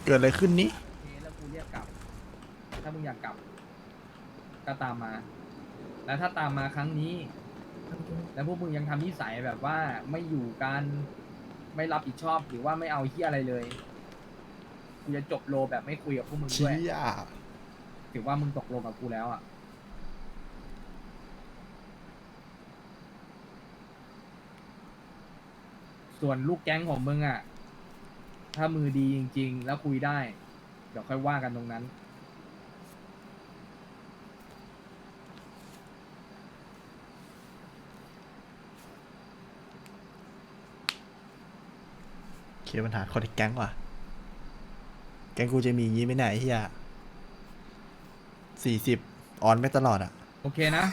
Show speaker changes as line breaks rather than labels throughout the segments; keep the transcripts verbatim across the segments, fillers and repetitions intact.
เกิดอะไรขึ้นนี้
โอเคแล้วกูเรียกกลับถ้ามึงอยากกลับก็ตามมาแล้วถ้าตามมาครั้งนี้แล้วพวกมึงยังทำนิสัยแบบว่าไม่อยู่กันไม่รับผิดชอบหรือว่าไม่เอาเฮียอะไรเลยกูจะจบโลแบบไม่คุยกับพวกมึงด้
เชี่
วย
ย
ถือว่ามึงตกลงกับกูแล้วอ่ะส่วนลูกแก๊งของมึงอ่ะถ้ามือดีจริงๆแล้วคุยได้เดี๋ยวค่อยว่ากันตรงนั้น
เคลียร์ปัญหาคนในแก๊งว่ะแก๊งกูจะมีอย่างงี้ไหมไหนเฮียสี่สิบออนไม่ตลอดอ่ะ
โอเคนะ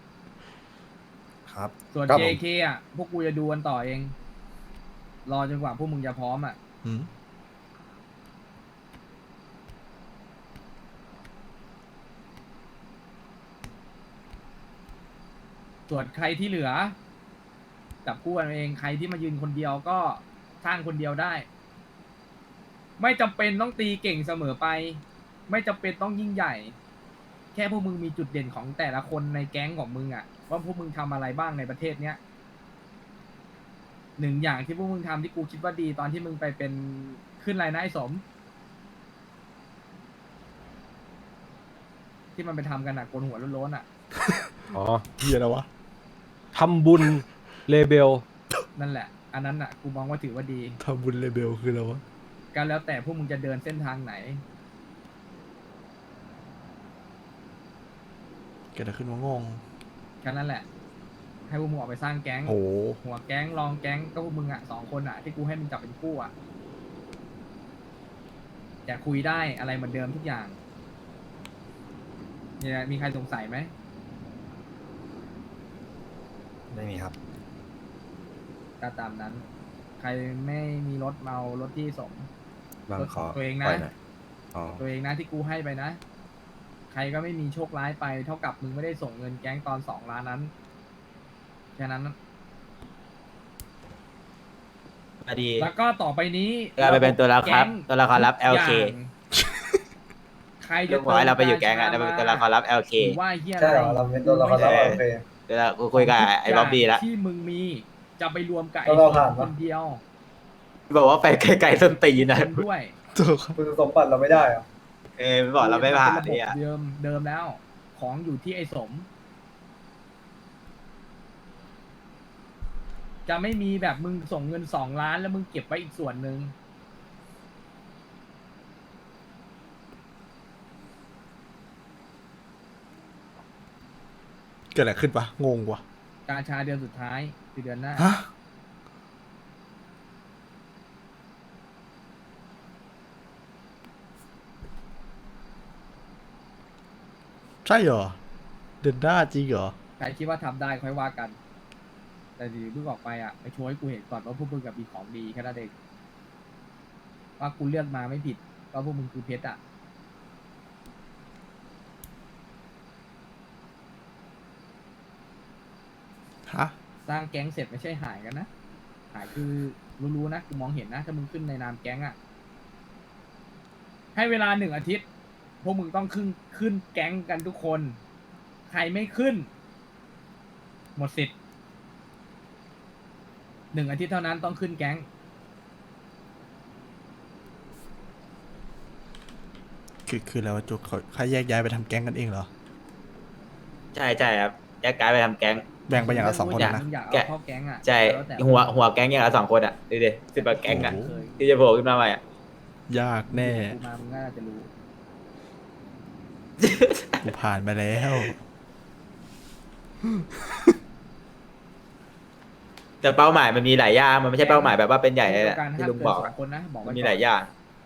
ครับ
ส่วน
ครับ
เจ
ผม
เค อ่ะ พวกกูจะดูกันต่อเอง รอจนกว่าพวกมึงจะพร้อมอ่ะ
อืม
ส่วนใครที่เหลือจับคู่กันเอง ใครที่มายืนคนเดียวก็สร้างคนเดียวได้ ไม่จำเป็นต้องตีเก่งเสมอไป ไม่จำเป็นต้องยิ่งใหญ่ แค่พวกมึงมีจุดเด่นของแต่ละคนในแก๊งของมึงอ่ะ ว่าพวกมึงทำอะไรบ้างในประเทศเนี้ยหนึ่งอย่างที่พวกมึงทำที่กูคิดว่าดีตอนที่มึงไปเป็นขึ้นไรนะไอ้สม ที่มันไปทำกันอ่ะโกนหัวโล้นๆอ่ะ
อ๋อ
เฮียแล้ววะ
ทำบุญเลเบล
นั่นแหละ อันนั้นอ่ะกูมองว่าถือว่าดี
ทำบุญเลเบลคืออะไรวะ
ก็แล้วแต่พวกมึงจะเดินเส้นทางไหน
เกิดอะไรขึ้นวะงง
แค่นั้นแหละ ให้พวกมึงออกไปสร้างแก๊ง
โอ้โห
หัวแก๊งรองแก๊งก็พวกมึงอ่ะสองคนอ่ะที่กูให้มึงจับเป็นคู่อ่ะแต่คุยได้อะไรเหมือนเดิมทุกอย่างเนี่ยมีใครสงสัยไหม
ไม่มีครับ
ก็ตามนั้น ใครไม่มีรถเมารถที่สม
บางขอ
ตัวเองนะ
ปล่ยหยอ๋อ
ตัวเองนะที่กูให้ไปนะ ใครก็ไม่มีโชคร้ายไป เท่ากับมึงไม่ได้ส่งเงินแก๊งตอนสองล้านนั้นแค่นั้น
อดี
แล้วก็ต่อไปนี้
เราไปเป็นตัวละคร
แก๊ง
ตัวละครลับ แอล เค
ย่างใคร
ลุ
จะ
งบอกให้เราไปอยู่แก๊งอะเรา
ติ
เป็น
ม
ตัวละครลับ แอล เค
หรือว่าเฮียอะไร
ใช่เหรอเราเป็นตัวละครลับ
ไม่
โอเค
เดี๋ยวเรากูคุยกับไอ้บ๊อบบี้แล้ว
ที่มึงมีจะไปรวมกับ
แล้
ไอ้
วเราผ่าน
ค
ปะ
นเดียว
บอกว่าไปไกลๆส้นตีนนะ
คนด้วย
ตัวครับ
คุณสมบัติเราไม่ได้เหรอ
เออบอกเราไม่ผ่าน
เป็นระบบ
เนี่ย
เดิมเดิมแล้ว ของอยู่ที่ไอ้สม จะไม่มีแบบมึงส่งเงินสองล้านแล้วมึงเก็บไว้อีกส่วนหนึ่ง
เกิดอะไรขึ้นวะงงวะ
การชาเดือนสุดท้ายคือเดือนหน้า
ฮะใช่เหรอ เดินหน้าจริงเหรอ
ใครคิดว่าทำได้ค่อยว่ากัน แต่ดีเพิ่งออกไปอ่ะไปโชว์ให้กูเห็นก่อนว่าพวกมึงกับมีของดีแค่นั้นเองว่ากูเลือกมาไม่ผิดว่าพวกมึงคือเพชรอ่ะ
ฮะ
สร้างแก๊งเสร็จไม่ใช่หายกันนะ หายคือรู้ๆนะกูมองเห็นนะ ถ้ามึงขึ้นในนามแก๊งอ่ะ ให้เวลาหนึ่งอาทิตย์ พวกมึงต้องขึ้นขึ้นแก๊งกันทุกคน ใครไม่ขึ้น หมดสิทธิ์หนึ่งอาทิตย์เท่านั้นต้องขึ้นแก๊ง
คือคือแล้วะจุกเขาใครแยกย้ายไปทำแก๊งกันเองเหรอ
ใช่ใช่ครับแยกกายไปทำแก๊ง
แบ่งไปอย่างละสองคน
อยาก
นะ
มึงอยากเอา
แกะ
เข้าแก๊งอ่ะ
ใช่
แล้วแต่
หัวหัวแก๊งอย่างละสองคนอ่ะดูดิสิบกว่าแก๊งอ่ะ
โอ้โห
ที่จะโผล่ขึ้นมาใหม่อ่ะ
ยากแน่
กูมามึงน่าจะรู้
กูผ่านมาแล้ว
แต่เป้าหมายมันมีหลายอย่างมันไม่ใช่เป้าหมายแบบว่าเป็นใหญ่เลยแหละ
การ
ที่
ห้าม
ลุง
เกิน
บอก
สอ
อะ
งคนนะบอก
มั
ไว้
นมี
ก่อน
หลายอย่าง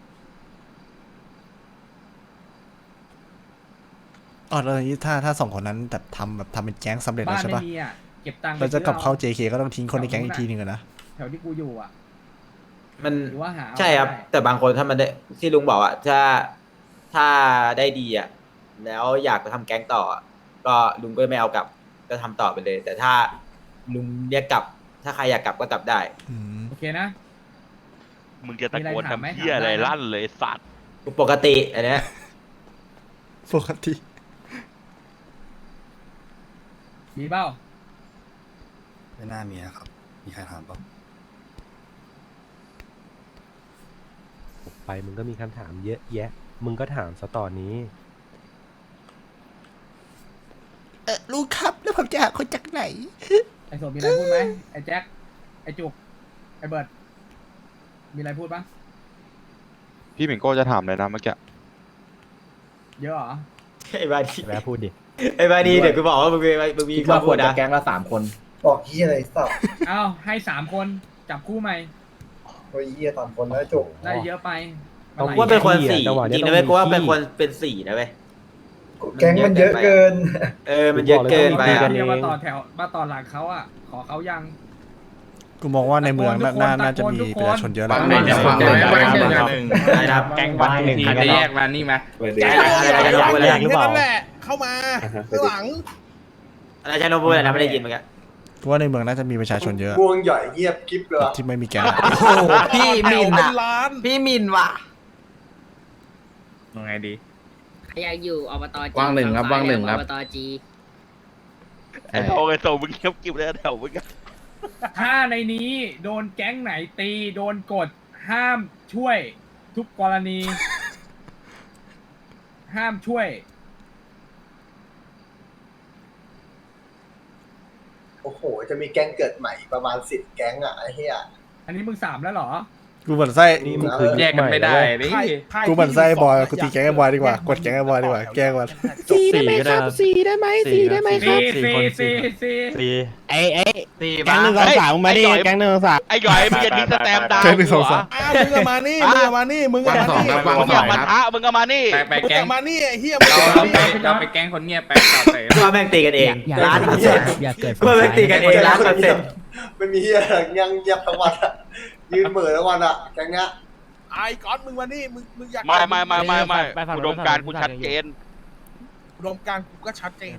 อ๋อแล้วอย่างนี้ถ้าถ้าสองคนนั้นแบบทำแบบทำเป็นแก๊งสำเร็จแล้
บ้า
วน ใช่
ไม่
ปะ
มีอ่ะเก็บตังค์ไป
เราจะกลับเข้า
ซื้อ
เจ เค ก็ต้องทิ้งคนในแก๊งอีกทีหนึ่งอะนะ
แถวที่กูอยู่อ่ะ
มัน
หรือว่าหา
ใช่ครับ
เอาได้
แต่บางคนถ้ามันได้ที่ลุงบอกอ่ะถ้าถ้าได้ดีอ่ะแล้วอยากจะทำแก๊งต่ออะก็ลุงก็ไม่เอากลับก็ทำต่อไปเลย แต่ถ้าลุงเรียกกลับ ถ้าใครอยากกลับก็กลับได้
อืม
โอเคนะ
มึงจะตะโกน
มีอะไรถามไหม
ทำเพี้ยอะไร
ถามได้นะ
ลั่นเลยสัตว์
ปกติอันเนี้ย
ปกติ
มีเปล่า
ไม่น่ามีนะครับ มีใครถามเปล่า
ไปมึงก็มีคำถามเยอะแยะ มึงก็ถามซะตอนนี้
เออลูกครับแล้วผมจะหาคนจากไหน
ไอ้โสดมีอะไรพูดไหมไอ้แจ็คไอ้จุกไอ้เบิร์ดมีอะไรพูดปะ
พี่หมิงโก้จะถามเลยนะเมื่อกี้
เยอะเหรอ
ไอ้บาดี
แวะพูดดิ
ไอ้บาดีเดี๋ยวกูบอกว่ามึงมีมึงมี
คิด
ข้อ
ว่าค
มู
ว
ล
รจะ
นะ
แก๊งละสามคน
บอกเฮียอะไรสับ
เอ้าให้สามคนจับคู่ใหม่
โอ้ยเฮียสามคนแล้วจบ
ได้เยอะไป
ต้อง
มั
กูว่าเป็นคน
ขี้อะ
สี่
จังหวะ
จ
เนี้ย
ริงนะ
ต้อง
เว้ยกูว่า
มี
เป็น
ขี้
คนเป็นสี่นะเว้ย
แก๊งมันเยอะเกิน
เออมันเยอะเกินไป
ตี
อะ
กั
เดียว
เอง
มาต่อแถวมาต่อหลังเขาอ่ะ ขอเขายัง
กูมองว่าในเมืองน่าน่าน่าจะมี
ทุกคน
ประชาชนเยอะแหละ
บางหนึ่งเนี่ยคนเดียวนะบางหนึ่งอะ
ได้ครับ
แก๊งวันหนึ่ง
อาจจะแยกมานี่ไหม
แก๊งอะไรกันพูดอะไร
หรือเปล่า
เข้ามาข้างหลัง
อะไรใช่น้องพูดอะไรนะไม่ได้ยินเมื่อกี้
กูว่าในเมืองน่าจะมีประชาชนเยอะ
วงใหญ่เงียบกิ๊บเลยว่ะ
ที่ไม่มีแก๊ง
พี่มินอะพี่มินว่ะ
ยังไงดี
อยากอยู่อบตจี
ว่างหนึ่งครับว่างหนึ่งครับ
อบตจี
โอเคโซมึงเงียบกิบเลยแถวมึง
ถ้าในนี้โดนแก๊งไหนตี โดนกดห้ามช่วยทุกกรณี ห้ามช่วย
โอ้โห จะมีแก๊งเกิดใหม่ประมาณสิบแก๊งอ่ะไอ้เฮีย
อันนี้มึงสามแล้วเหรอ
กูเหมือนไส้
นี่มึงคือ
แยกกันไม่ได้นี่
กูเหมือนไส้บอยกูตีแก๊งไอ้บอยดีกว่ากดแก๊งไอ้บอยดีกว่าแกล้งมัน
สี่ได้ไหมครับสี่ได้ไหมสี่ได้ไหมค
สี่
รับ
สี่สี่สี่
สี่
ไอ้ไอ้
สี่
แก๊งหนึ่งสองสามมึงมาดิแก๊งหนึ่งสองสาม
ไอ้หยอยมึงจะทิ้งสแตมป์ดาว
แก๊งหนึ่งสองสาม
อ้าวมึงก็มานี่มึงก็มานี่มึงก็มานี่
มึงอย่ามาท้ามึงก็มานี่
ไปแก๊งมานี่ไอ้เหี้ยเราไปเราไปแก๊งคนเงียบไปต่อเตะ
กูว่าแม่งตีกันเองล้านเปอร์เซ็นต์
อย่าเกิด
กูว่าแม่งตีกันเองล้านเปอร์เซ็นต์
ไม่มีเฮียยังเงียบทั้งวันอะยืนเหม่อทั้งวันอ่ะแก๊งเนี้ย
ไอ้ก้อนมึงมานี่มึงมึงอยาก
ไม่ไม่ไม่ไม่ไม่อุดมการณ์กูชัดเจน
อุดมการณ์กูก็ชัดเจน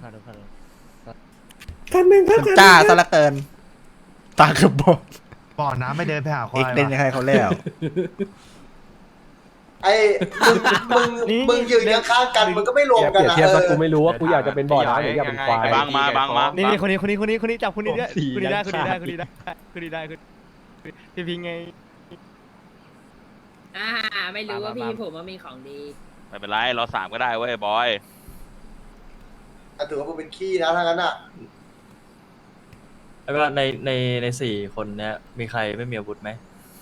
มันจ้าซะเหละเกิน ตาเกือบบอด
บ่อน้ำไม่เดินไปหาควา
เอ็
ย
กเล่นให้เขาแล้ว
ไอ้มึงมึงมึงยืนข้างๆกันมึงก็ไม่รวม
เป
กัน
รียบ
อะ
เทียบ
เอ
ว่า
อ
กูไม่รู้ว่ากูอยากจะเป็นบ่อน้ำหรืออยากเป็นควาย
บางมาบางมา
นี่นี่คนนี้คนนี้คนนี้คนนี้จับคนนี้ด้วยคนนี้ได้คนนี้ได้คนนี้ได้คนนี้ได้คนพี่พิงไง
อ่าไม่รู้ว่าพี่ผมว่ามีของดี
ไม่เป็นไรเราสามก็ได้เว้ยบอย
อ่ะถือว่ามึงเป็นขี้นะถ้างั้นอ่ะ
แล้วก็ในในในสี่คนเนี้ยมีใครไม่มีอาวุธไหม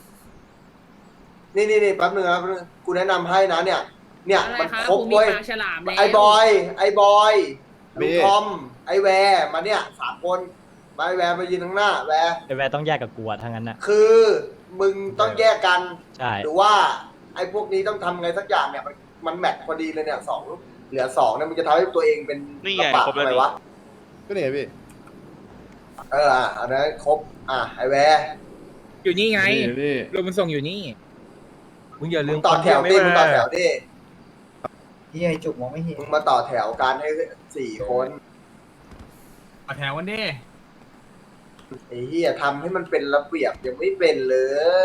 นี่นี่นี่แป๊บนึงนะแป๊บนึงกูแนะนำให้นะเนี่ย เนี่ย
อะไร
มัน
คะ
ครบ
ผมมี
เว้ย
ปากฉลามแล้ว
ไอ้บอย ไอ้บอยลุงทอม ไอ้แวร์มาเนี่ยสามคน มาไอ้แวร์มายืนข้างหน้า แวร์
ไอแวร์ต้องแยกกับกูอะทั้งนั้นอะ
คือมึงต้องแยกกัน
ใช่
หรือว่า ไอ้พวกนี้ต้องทำไงสักอย่างเนี่ย มันมันแมทพอดีเลยเนี่ยสองเหลือสองเนี่ยมันจะทำให้ตัวเองเป็น
นี่ไง
กระปะ
ครบแล้ว
อะไร
นี่
วะ
ก็เนี่ยพี่
เอออ่ะอันนั้นครบ อ่ะไอ้แวร์
อยู่นี่ไง
พี่
รถมันส่งอยู่นี่
มึงอย่าลื
มึ
ม
งต่อแถวดิมึงต่อแถวดิ
ที่ไอจุกมองไม่เห็น
มึงมาต่อแถวกันให้สี่คน
เอาแถวกันดิ
ไอ้เหี้ยทำให้มันเป็นระเบียบยังไม่เป็นเลย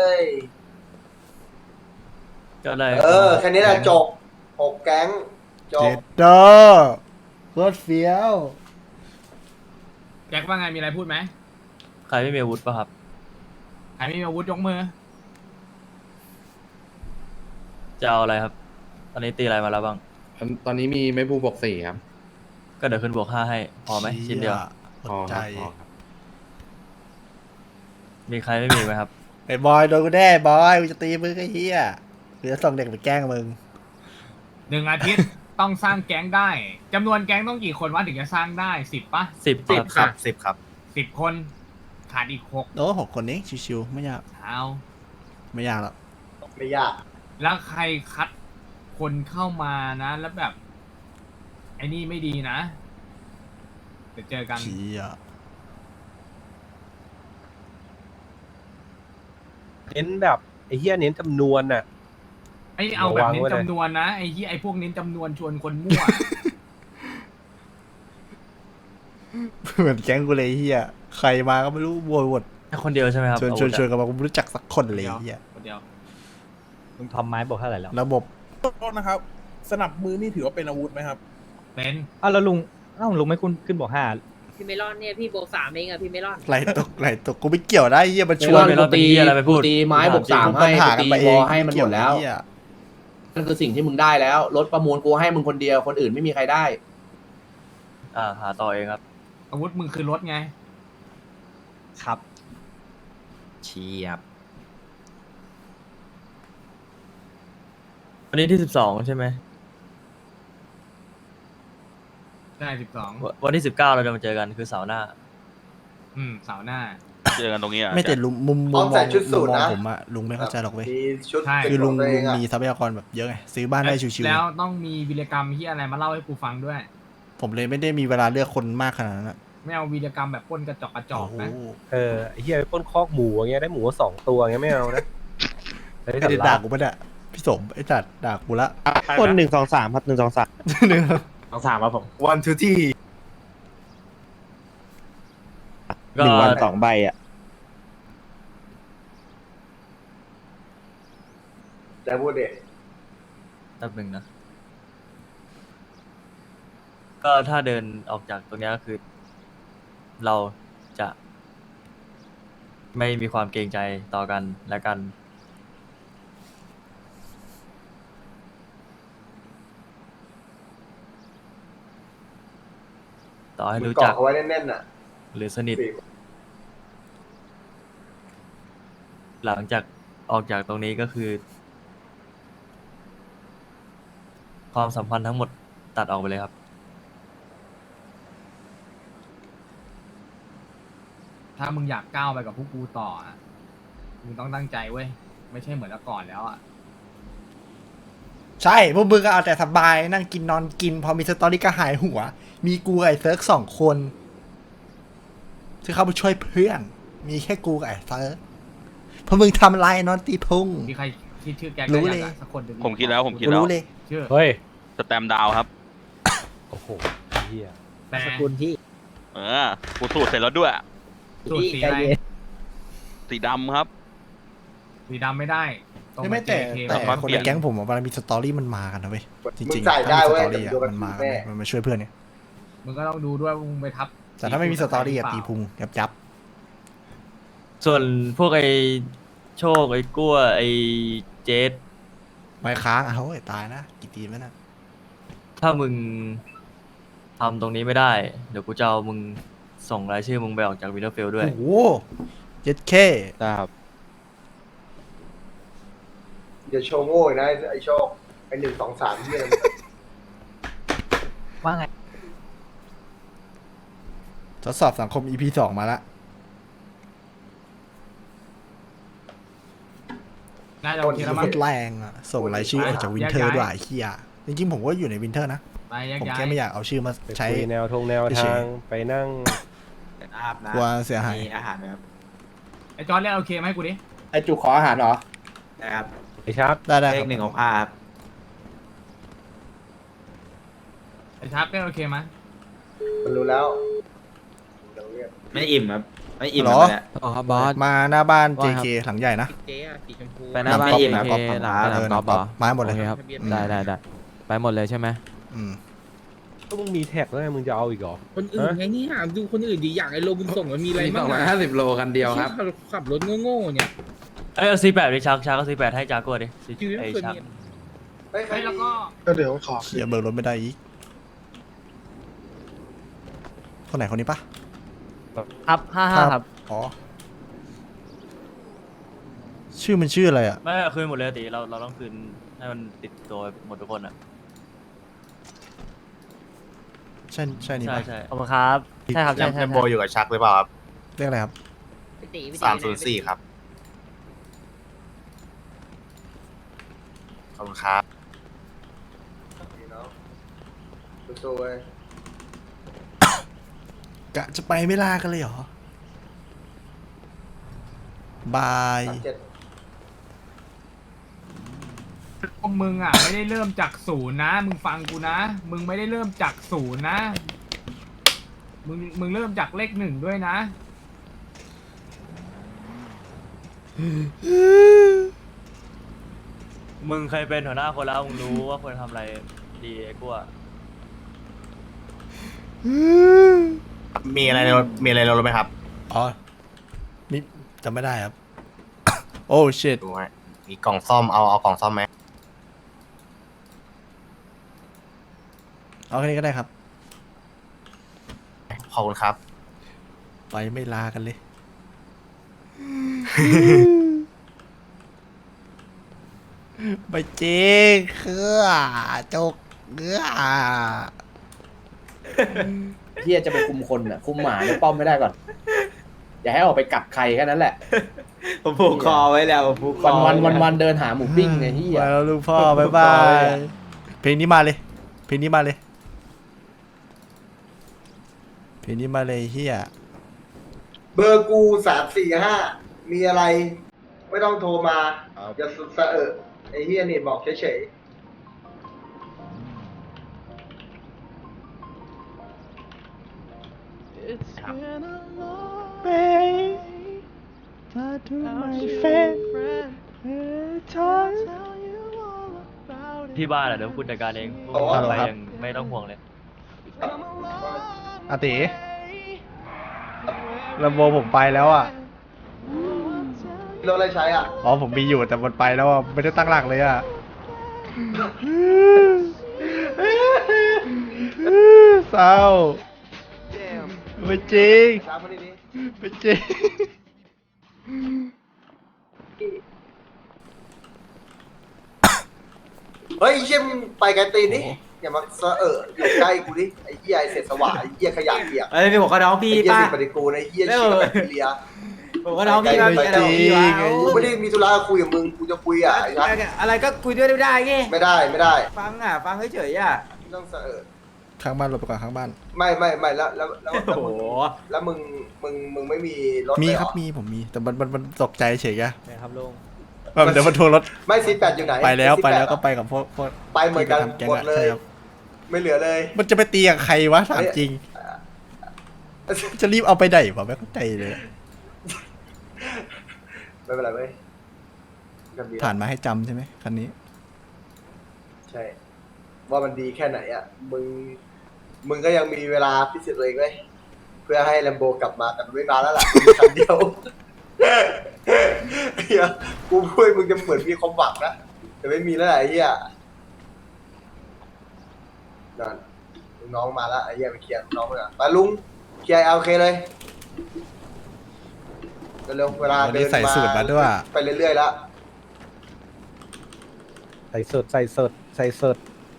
ก็เลย
เออ แค่นี้แหละจบหกแก๊งจ
เจ็
บ
ดโดโคตรเฟี้ยว
แจ็คว่าไงมีอะไรพูดไหม
ใครไม่มีอาวุธป่ะครับ
ใครไม่มีอาวุธยกมือ
จะเอาอะไรครับ ตอนนี้ตีอะไรมาแล้วบ้าง
ตอนนี้มีไม่พูบอกสี่ครับ
ก็เดี๋ยวขึ้นบวกห้าให้พอไหมชิ้นเดียว
อดใจ
มีใครไม่มีไหมครับ
ไอ้บอยโดนกูแน่บอยกูจะตีมึงไอ้เหี้ยหรือส่งเด็กไปแกล้งมึง
หนึ่งอาทิตย์ ต้องสร้างแก๊งได้จำนวนแก๊งต้องกี่คนวะถึงจะสร้างได้สิบปะ
สิบ
สิบ
ครับ
สิบครับ
สิบคนขาดอีกหก
โอ้หกคนนี้ชิวๆไม่ยาก
เอา
ไม่ยากหรอก
ไม่ยาก
แล้วใครคัดคนเข้ามานะ แล้วแบบ ไอ้นี่ไม่ดีนะ เดี๋ยวเจอกัน
เชี่ย
เน้นแบบไอ้เหี้ยเน้นจำนวนน่ะ
ไอ้เอาแบบเน้น
ระวังไว้เลย
จำนวนนะไอ้ที่ไอ้พวกเน้นจำนวนชวนคนมั่ว
เหมือนแก๊งกูเลยไอ้เหี้ยใครมาก็ไม่รู้บวยวด
แค่คนเดียวใช่ไหมครับ
ชวนชวนชวนกันมากูไม่รู้จักสักคนเลยไอ้เหี้ย
คนเดียว
มึงทอมไม้บอกเท่าไหร่แล้ว
ระบบ
โทษนะครับ สนับมือนี่ถือว่าเป็นอาวุธไหมครับ
เป็น
อ้าวแล้วลุงอ้าวลุงไม่คุณขึ้นบอกห้า
พี่เมลอนเนี่ยพี่โบกสามเองอะพี่เมลอน
ไหลตกไหลตกกูไม่เกี่ยวได้เหี้ยมันชวน
ไม่รอดตีอะไรไปพูด
ตีไม้บวกสาม
ปั
ให้
ญหากัน
ตี
ไปเอ
ว
ง
อให้มันหมดแล้ว
เกี่ยไอ้เหี้ย
นั่นคือสิ่งที่มึงได้แล้วรถประมูลกูให้มึงคนเดียวคนอื่นไม่มีใครได้
อ่าหาต่อเองครับ
อาวุธมึงคือรถไง
ครับ
เชียบ
วันนี้ที่สิบสองใช่ไหม
ได้สิบสอง
วันที่สิบเก้าเราจะมาเจอกันคือเสาร์หน้า
อืมเสาร์หน้า
เจอกันตรงนี้อ่ะ
ไม่แต่ลุงมุมมุ
ต้
ม
อง
ม
ใส่
อง
ชุดสู
มุ
ท
มมอง
นะ
ผมอะลุงไม่เข้าใจหรอกเว้ย
มีชุด
ใช่
คือลุง
เป็นข
ลุ
อง ตัวเอ
มี
งอะ
ทรัพยากรแบบเยอะไงซื้อบ้านได้ชิว
แล้วต้องมีวีรกรรมที่อะไรมาเล่าให้กูฟังด้วย
ๆผมเลยไม่ได้มีเวลาเลือกคนมากขนาดนั้นอะ
ไม่เอาวีรกรรมแบบปล้นกระจอกกระจอก
โอ้โห
นะ
เออไอ้เฮียไปปล้นคอกหมูอย่างเงี้ยได้หมูสองตัวอย่างเงี้ยไม่เอานะไอ้
ไอ้
สัต
เด็ด
ว์
ด่า
ลาบ
กูปะเนี่ยพี่สมไอ้จัดด่ากูละ
คนหนึ่งสองสามครับหนึ่งสองสาม
หนึ่ง
ต้องสามครับผม
วันทูที่
ก็
หนึ่งวันสองใบอ่ะ
แต่พูดเด็
แป๊บหนึ่งนะ ก็ถ้าเดินออกจากตรงเนี้ยก็คือ เราจะ ไม่มีความเกรงใจต่อกันและกัน ต่อให้
มึง
รู้
เกาะ
จัก
เขาไว้แน่นๆน่ะ
หรือสนิท
สี่
หลังจากออกจากตรงนี้ก็คือ ความสัมพันธ์ทั้งหมดตัดออกไปเลยครับ
ถ้ามึงอยากก้าวไปกับพวกกูต่ออะมึงต้องตั้งใจเว้ย ไม่ใช่เหมือนแต่ก่อนแล้วอ่ะ
ใช่พวกมึงก็เอาแต่สบายนั่งกินนอนกิน พอมีสตอรี่ก็หายหัว มีกูกับไอ้เซิร์กสองคนที่เข้าไปช่วยเพื่อน มีแค่กูกับไอ้เซิร์กพอมึงทำอะไรนอนตีพุง
มีใครคิดชื่อแกง
รู้
ได้
เล
ยัง
ย
อะสักคนหนึ่ง
ผมคิดแล้วผมคิด
กู
แล้ว
รู้เลย
ชื่อ
เฮ้ย
สแตมดาวครับ
โอ้โหเฮีย
แต่
สกุลที่
เออกูสูตรเสร็จแล้วด้วย
สูตรสีอะไร
สีดำครับ
สีดำไม่ได้ต้อง
ไม่แต่
เจเค
แต่
ครับ
คน
เปลี่
ใน
ยน
แก๊งผมอะเวลามีสตอรี่มันมากันนะเว้ยจ
มึ
ริ
ง
งๆ
จ่าย
ถ้า
ได้
มีส
เว้ย
ตอรี่
แต่
อะ
มึงโดน
มันมากัน
แม่
เว้ยมันมาช่วยเพื่อนเนี่ย
มึงก็ต้องดูด้วยว่ามึงไปทับ
แต่ถ้าไม่มีสตอรี่อะตีพุงยับยับ
ส่วนพวกไอ้โชค ไอ้กั้ว ไอ้เจส
ไม่ค้างอ่ะเฮ้ยตายนะกี่ตีนแล้วนะ
ถ้ามึงทำตรงนี้ไม่ได้ เดี๋ยวกูจะเอามึงส่งรายชื่อมึงไปออกจากวินเทอร์เฟลด้วย
โอ้โหเจ็ดเค
ครับ
อย่าโชว์โง่อีกนะไอ้โชคไอ้หนึ่งสองสามที่อะไร
ว่าไง
ทดสอบสังคม อี พี สองมาละ
น่าจะโอเคแล้ว
โค
มั้ง
ตรแรงอ่ะส่งรายชื่อออกจากวินเทอร์ด้วยไอ้เฮียจริงๆผมก็อยู่ในวินเทอร์นะ
ไปแยก
ผม
ย้าย
แค่ไม่อยากเอาชื่อมา
ไป
ใช้
คุยแนวทงแนว
เฉ
ทาย งไปนั่ง
อาบน้
กลัวเสียหาย
ำมีอาหารไหมครับ
ไอ้จอร์ดเรียกโอเคไหมาให้กูดิ
ไอ้จุกขออาหารเหรอ
นะครับ
ไอ้ชัก
ได้ได้
เล
ค
ข
รับ
หนึ่งของข้าครับ
ไอ้ชาร์ปเรียกโอเคไหม
มันรู้แล้วเดี๋ยวเรียก
ไม่อิ่มครับ ไม่อิ่ม
เหร
ค
อ
รับเนี่ย
อ๋อครับบอส
มาหน้าบ้าน เจ เค หลังใหญ่นะ
เจ๊อะสีชมพู
ไปหน้าบ้าน
ก๊อฟ
เจ
หลัง
เค
ก๊อฟ
หลัง
เอ
หลั
อง ห
ก๊
ลั
อง ฟ
ก๊
เหร
อ
อ
ฟมาหมดเลย
โอเคครับ
อืม
ได้ได้ได้ไปหมดเลยใช่ไหม
อืม
ก็มึงมีแท็กแล้วไงมึงจะเอาอีกเหรอ
คนอื่นไงนี่หาดูคนอื่นดีอย่างไอ้โลบุญส่งมันมีอะไร
มีส
บ้า
อง งร้อย
อะ
ห้าสิบโลกันเดียวครับ
ขับขับรถโง่ๆเนี่ย
เอ้ยเอาซีแปดดิชักชักเอาซีแปดให้จากัวดิ
ชีวิต
ไอ้
คน
ชัก
เนี่ย
เฮ้ยใคร
เฮ้ยแล้วก็
ก็เดี๋ยวขอ
เฮียเบิกรถไม่ได้อีกคนไหนคนนี้ปะ
ครับห้าห้าครับ
อ๋อชื่อมันชื่ออะไรอ่ะ
ไม่เอาคืนหมดเลยติเราเราต้องคืนให้มันติดตัวหมดทุกคนอ่ะ
ใช่ใช่นี่
ใช่
ปะ
ใช่ขอบคุณครับ ใช่ครับ ใช่ใช่
โบอยู่กับชักหรือเปล่าครับ
เรียกอะไรครับ
พี่ตีพี่ตี
สามศูนย์สี่ครับ ขอบคุณครับ
นี่เนาะสู้ๆเว้ย
กะจะไปไม่ลากันเลยเหรอ บาย
สามเจ็ด
พวกมึงอ่ะ ไม่ได้เริ่มจากศูนย์นะ มึงฟังกูนะ มึงไม่ได้เริ่มจากศูนย์นะ มึงมึงเริ่มจากเลขหนึ่งด้วยนะ
เ
มึงเคยเป็นหัวหน้าคนแล้วมึงรู้ว่าควรทำอะไรดีไอ้กูอะ
มีอะไรในรถมีอะไรในรถไหมครับ
อ๋อมีจำไม่ได้ครับ โอ้ชิต
ดูฮะมีกล่องซ่อมเอาเอากล่องซ่อมไหม
เอาแค่นี้ก็ได้ครับ
ขอบคุณครับ
ไปไม่ลากันเลย ไปจริงคือจกเนื้อ
เฮียจะไปคุมคนอ่ะคุมหมาในป้อมไม่ได้ก่อน อย่าให้ออกไปกัดใครแค่นั้นแหละ
ผมผูกคอไว้แล้วผมผูกคอ
วันวันวันวันๆเดินหาหมูปิ้งไงเฮีย
ไปแล้วลูกพ่อ บ๊ายบาย เพลงนี้มาเลย เพลงนี้มาเลย เพลงนี้มาเลยเฮีย
เบอร์กูสามสี่ห้ามีอะไร ไม่ต้องโทรมาอย่าสุดสะเอะไอ้เฮียนี่บอกเฉย
ที่บ้านอะเดี๋ยวกูจัดการเองพวก
อ๋อ
มึง
เหร
ไป
อครับ
ยังไม่ต้องห่วงเลย
อาติลำโบผมไปแล้วอ่ะ
ๆรถอะไรใช้อ่ะ
อ๋อผมมีอยู่แต่มันไปแล้วอ่ะ ไม่ได้ตั้งหลักเลยอ่ะ เศร้าไม่จริง
ตามมาดี
ไม่จริง
ๆเฮ้ยไอ้เชี่ยมึงไปไกลตีนนี่อย่ามาสะเอะอยู่ใกล้กูดิไอ้เหี้ยไอ้เศษสวะไอ้เหี้ยขยะเปียก
เอ้ยมีหัวกระน้อง
ไอ้
พี่
เหี้ย
ป้า
สิ่งปฏิกูลไอ้เหี้ยเชี่ยแบคทีเรีย
หัวกระน้องพี่มา
ไม่
มีอะไร
จริ
ของ
ง
พี่วะ
กูไม่ได้มีธุระคุยกับมึงกูจะคุยอ่ะไอ้นัท
อะไรก็คุยด้วยไม่ได้ไง
ไม่ได้ไม่ได้
ฟังอ่ะฟังเฉยๆอ่ะ
ไม่ต้องสะเอะ
ข้างบ้านหลบไปก่อนข้างบ้าน
ไม่ไม่ไม่แล้วแล้วแล้ว
โอ้โห
แล้วมึงมึงมึงไม่มีรถ
มี
เลยเห
ครับมีผมมี แต่มันมันมันตกใจเฉยอะ
ครับลุง
แบบเดี๋ยวมันทัวร์รถ
ไม่ซีแปดอยู่ไหน
ไปแล้วไปแล้ว
ซี
ก็
ปด
ไปกับพวกพวก
ไปเหมือนกัน
ที่ไปทำแก๊ง
หมด
อะ
เล
ใช่
ย
ครับ
ไม่เหลือเลย
มันจะไปตีกับใครวะถามจริง จะรีบเอาไปไหนวะไม่เข้าใจเลย
ไม่เป็นไรเว้ยกันดี
ผ่านมาให้จำใช่ไหมคันนี้
ใช่ ว่ามันดีแค่ไหนอ่ะมึงมึงก็ยังมีเวลาพิสูจน์ตัวเองไว้ยเพื่อให้แลมโบกลับมากันไม่นานแล้วล่ะมีคันเดียวเฮียกูพูดมึงจะเหมือนมีความหวังนะแต่ไม่มีแล้วแหละไอ้เหี้ยนั่นลุงน้องมาแล้วไอ้เหี้ยไปเคลียร์ลุงน้องไปก่อนไปลุงเคลียร์โอเคเลยเร็วๆเวลา
วัน
เดิ
นี้
น
ใส่สูตรมาด้วย
ไปเรื่อยๆแล้ว
ใส่สดใส่สดใส่สด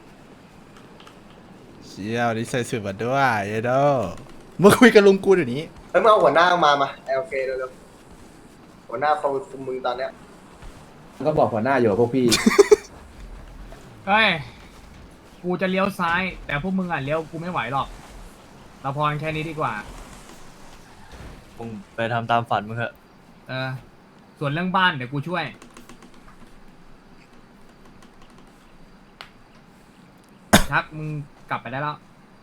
เชี่ยววันนี้ใส่สูตรมาด้วยเยโดมาคุยกับลุงกูเดี๋ยวนี้
เฮ้ยมึงเอาหัวหน้ามามาโอเคเร็วๆหัวหน้าเขาคุมมึงตอนเนี้ย
ก็บอกหัวหน้าอยู่กับพวกพี่
เฮ้ย กูจะเลี้ยวซ้าย แต่พวกมึงอ่ะเลี้ยวกูไม่ไหวหรอก เราพอกันแค่นี้ดีกว่า
มึงไปทำตามฝันมึงเถอะ
เออ ส่วนเรื่องบ้านเดี๋ยวกูช่วย ชักมึงกลับไปได้แล้ว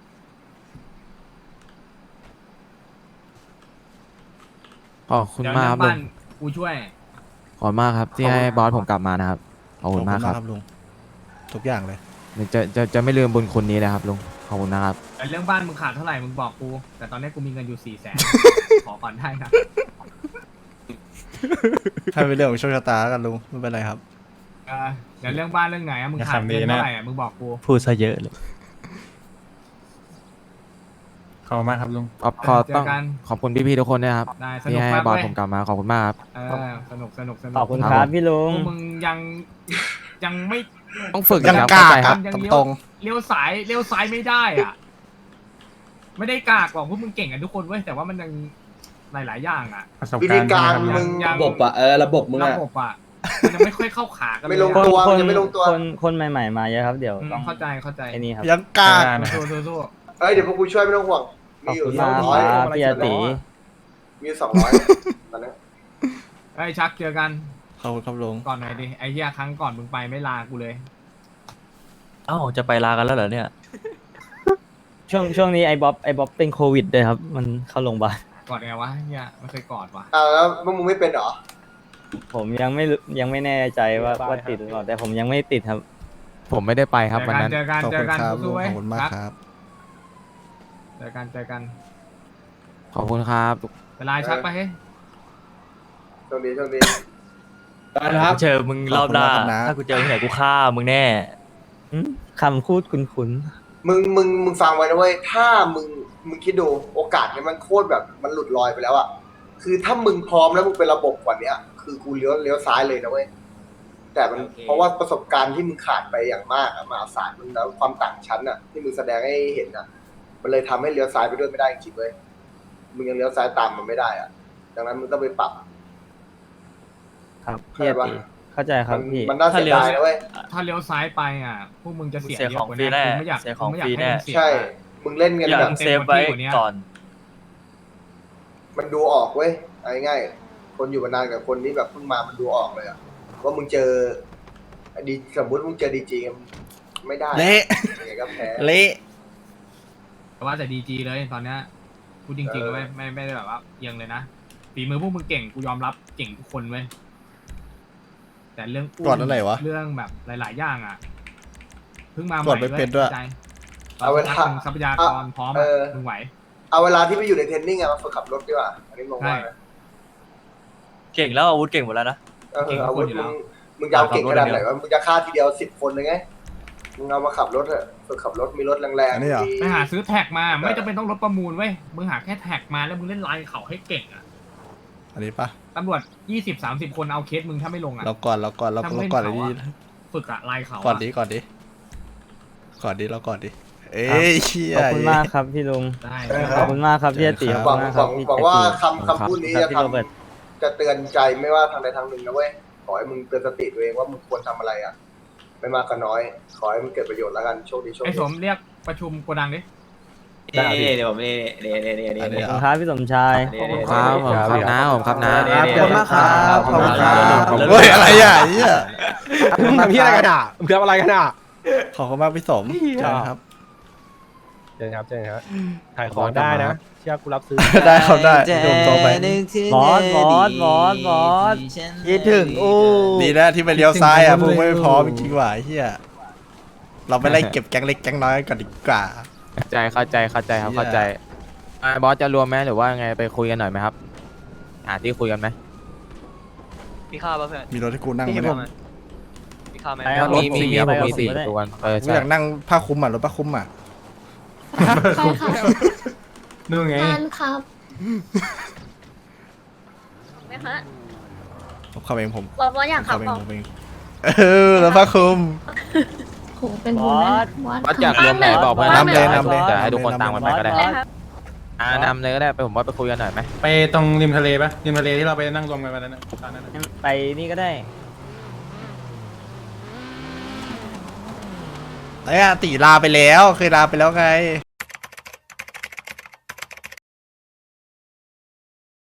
ขอบคุณ
เดี๋ยว
มาก
เรื่
ค
อ
รับ
ง
ลุ
บ้าง นกูช่วย
ขอบคุณมากครับที่ให้บอสผมกลับมานะครับ ขอบคุณมากครับ
ลุงทุกอย่างเลย
จะจะจะไม่ลืมบุญคุณนี้นะครับลุง ขอบคุณนะครับ
แต่เรื่องบ้านมึงขาดเท่าไหร่มึงบอกกู แต่ตอนนี้กูมีเงินอยู่สี่แสน ขอก่อนได้นะ
ให้เป็นเรื่องของโชคชะตาแล้วกันลุงไม่เป็นไรครับ
เออเดี๋ยวเรื่องบ้านเรื่องไหนอะมึงขาดเงินเท่าไหร่อะมึงบอกกู
พูดซะเยอะเลย
ขอบคุณมากครับลุง
ขอบขอ
เจอ
ต้อง
กัน
ขอบคุณพี่ๆทุกคนนะครับ
ได้ส
ที่
นุก
ให้
มาก
บอส
เว้ย
ผมกลับมา ขอบคุณมากครับ
เออสนุกสนุกสนุก
ขอบคุณครับพี่ลุง
พวกมึงยังยังไม่
ต้องฝึก
ยัง
นะครับ
กล้า
เข้าใจ
ค
ค
รั
รั
บบ
ยัง
ต
เลี้ยว
รง
เลี้ยวสายเลี้ยวซ้ายไม่ได้อ่ะ ไม่ได้กากหรอกพวกมึงเก่งกันทุกคนเว้ยแต่ว่ามันยังหลายๆอย่างอ่ะ
วิธีการมึง
ยัง
ระบบอะเออระบบมึง
ระ
อะ
บบอ่ะมันยังไม่ค่อยเข้าขากันเลย
ไม่ลง
อะ
ตัวมันยังไม่ลงตัว
คนคนใหม่ๆมาเยอะครับเดี๋ยว
อืม
ต้อง
เข้าใจเข้าใจ
ไอ้นี่ครับ
ๆยังกล้า
สู้สู้สู้
เอ้ยเดี๋ยวพวกกูช่วยไม่ต้องห่วงมีอยู่สองร้อย
พี่อาติ
มีอยู่สองร้อยตอนนี้
ไอ้ยชักเจอกัน
ขอบคุณครับลุง
ก่อนหน่อยดิไอ้เหี้ยครั้งก่อนมึงไปไม่ลากูเลย
เอ้าจะไปลากันแล้วเหรอเนี่ย ช่วงช่วงนี้ไอ้บ๊อบไอ้บ๊อบเป็นโควิดด้วยครับ มันเข้าโรงพยาบาล
กอดไงวะเหี้ยไม่เคยกอดวะ
อ่าแล้วพวกมึงไม่เป็นเหรอ
ผมยังไม่รู้ยังไม่แน่ใจว่าว่าติดหรือเปล่าแต่ผมยังไม่ติดครับ
ผมไม่ได้ไปครับวันนั้น
เจอกัน
ขอบ
เจ
คุ
อ
ณ
กัน
ครับ
สู้ๆไว้
ขอบคุณมากครับ
เจอกันเจอกัน
ขอบคุณครับ
เวลาชักไปเฮ้ย
ช่วงนี้ช่วงนี้
กูเจอมึงรอบหน้า
ขอบคุณมากครับนะ
ถ้ากูเจอที่ไหนกูฆ่ามึงแน่หึคำพูดคุ้น
มึงมึงมึงฟังไว้นะเว้ยถ้ามึงมึงคิดดูโอกาสเนี่ยมันโคตรแบบมันหลุดลอยไปแล้วอะคือถ้ามึงพร้อมแล้วมึงเป็นระบบกว่าเนี้ย คือกูเลี้ยวเลี้ยวซ้ายเลยนะเว้ยแต่มัน
โอเค
เพราะว่าประสบการณ์ที่มึงขาดไปอย่างมากอะมหาศาลมึงแล้วความต่างชั้นอะที่มึงแสดงให้เห็นอะมันเลยทำให้เลี้ยวซ้ายไปด้วยไม่ได้จริงๆเว้ยมึงยังเลี้ยวซ้ายตามมันไม่ได้อะดังนั้นมึงต้องไปปรับ
ๆครับ
เข้า
พี่
ใจ
อา
ปะ
ติเข้าใจครับ
มัน
พี่
มันน่าเสียดายนะเว้ย
ถ้าเลี้ยวซ้ายไปอ่ะพวกมึงจะเสีย
เสีย
เย
ขอ
อะ
ง
กว่า
ฟรี
นี้
แน่
กูไม่อยาก
เสียของ
กูไม่อยาก
ฟรี
ให้
แน่
มึงเสีย
ใช่ มึงเล่นกัน
อย่า
แบบ
เซฟไว้ก่อน
มันดูออกเว้ยเอาง่ายๆคนอยู่มานานกับคนที่แบบเพิ่งมามันดูออกเลยอะว่ามึงเจอดีสมมติมึงเจอดีจีไม่ได้
เละ
ยังไงก็แพ้
เละ
แต่ว่าแต่ดีจีเลยตอนเนี้ยพูดจริงๆ
เออ
เลยเว้ยไม่ไม่ได้แบบว่าเอียงเลยนะฝีมือพวกมึงเก่งกูยอมรับเก่งทุกคนเว้ยแต่เรื่องอุ้ม
กดอะไรวะ
เรื่องแบบหลาย ๆ อย่างอ่ะเพิ่งมาให
กด
ม่
ไม่เป็นด้วย
ข้าใจ
เอาเวลา
สักพักหนึ่งทรัพยากรพร้อม
เอ
อะ
อ
มึงไหว
เอาเวลาที่ไปอยู่ในเทรนนิ่งอะมาฝึกขับรถดีกว่าอันนี้งงมากนะ
เก่งแล้วอาวุธเก่งหมดแล้วนะ
เอออาวุธมึงมึงจะเอาเก่งขนาดไหนวะมึงจะฆ่าทีเดียวสิบคนเลยไงมึงเอามาขับรถเถอะฝึกขับรถมีรถแรง
อันนี้เหรอ
มี
ไปหาซื้อแท็กมาไม่จำเป็นต้องรถประมูลเว้ยมึงหาแค่แท็กมาแล้วมึงเล่นไลน์เขาให้เก่งอ่ะ
อันนี้ปะ
ตำรวจยี่สิบสามสิบคนเอาเคสมึงถ้าไม่ลงอ่ะ
เราก่อนเราก่อนเรา
ถ้า
เรา
เล่น
ก่อน
เขา
ดี
อะฝึกอะไลน์เขาอะ
ก่อนดีก่อนดีก่อนดีเราก่อนดีเอ้ยเชี่ย
ขอบคุณมากครับพี่ลุง
ได้
เออ
ขอบคุณมากครับพี่อาติ
ค
ข
รั
อ
ห
บ
วั
คุ
ง
ณมาก
ห
ค
วั
รับ
ง
พี่
หวังว่า
อาติ
คำคำพูดนี้
ครับ
จะ
พี่
ท
โรเบิร์ต
ำจะเตือนใจไม่ว่าทางใดทางหนึ่งนะเว้ยขอให้มึงเตือนสติตัวเองว่ามึงควรทำอะไรอ่ะ ไม่มากก็น้อย ขอให้มึงเกิดประโยชน์แล้วกันโชคดีโชค
ไอ้
ดี
สมเรียกประชุมโกดังดิ
นี่เดี๋ยวผมนี่นี่นี่นี่นี่
อันนี้
นี่
ขอบคุณครับพี่สมชาย
ขอบคุณ
ครับผมครับนะผมครับนะ
ขอบคุณมากครับ
ขอบคุณครับเฮ้ยอะไรอ่ะไอ้เหี้ย
มึงทำพี่อะไรกันอ่ะมึงทำอะไรกันอ่ะ
ขอบคุณมากพี่สมใช่ครับ
เจอครับเจอครับถ่ายของได้นะ เชื่อกูรับซื้อ
ได้ครับได้โดมโตไป
บอสบอสบอสบอสคิดถึงอู้
ดีนะที่ไปเลี้ยวซ้ายอ่ะพวกไม่พร้อมจริงๆว่ะไอ้เฮียเราไปไล่เก็บแก๊งเล็กแก๊งน้อยก่อนดีกว่า
เข้าใจเข้าใจเข้าใจครับ
เหี้ย
เข้าใจอ่าบอสจะรวมไหมหรือว่าไงไปคุยกันหน่อยไหมครับหาที่คุยกันไหม
พี่ข้าวป่ะเพื่อน
มีรถให้กูนั่งไหมเนี่ย
พี่ข้าวไหม
มีมีมีผมมีสี่ตัวเออ
กู
ใช่
อยากนั่งผ้าคลุมอ่ะรถผ้าคลุมอ่ะ
ไปค่ะ
นู่นไง
ทานครับไหมคะ
ผมขับเองผม
บอสบอสอยาก
ผม
ขั
ขั
บบ
เอง
บอก
ผมเองเออรถผ้าคลุม
โหเป็นบุญนะบอส
บอสอยากรวมไหนบอกเพื่อน
นำเลยนำเลย
จะให้ทุกคนตามกันไปก็ได้
เลยครับ
อ่านำเลยก็ได้ไปผมว่าไปคุยกันหน่อยไหม
ไปตรงริมทะเลปะริมทะเลที่เราไปนั่งรวมกันวันนั้นนะตอนนั้นนะ
ไปนี่ก็ได้
ไอ้อะตีลาไปแล้วเคยลาไปแล้วไง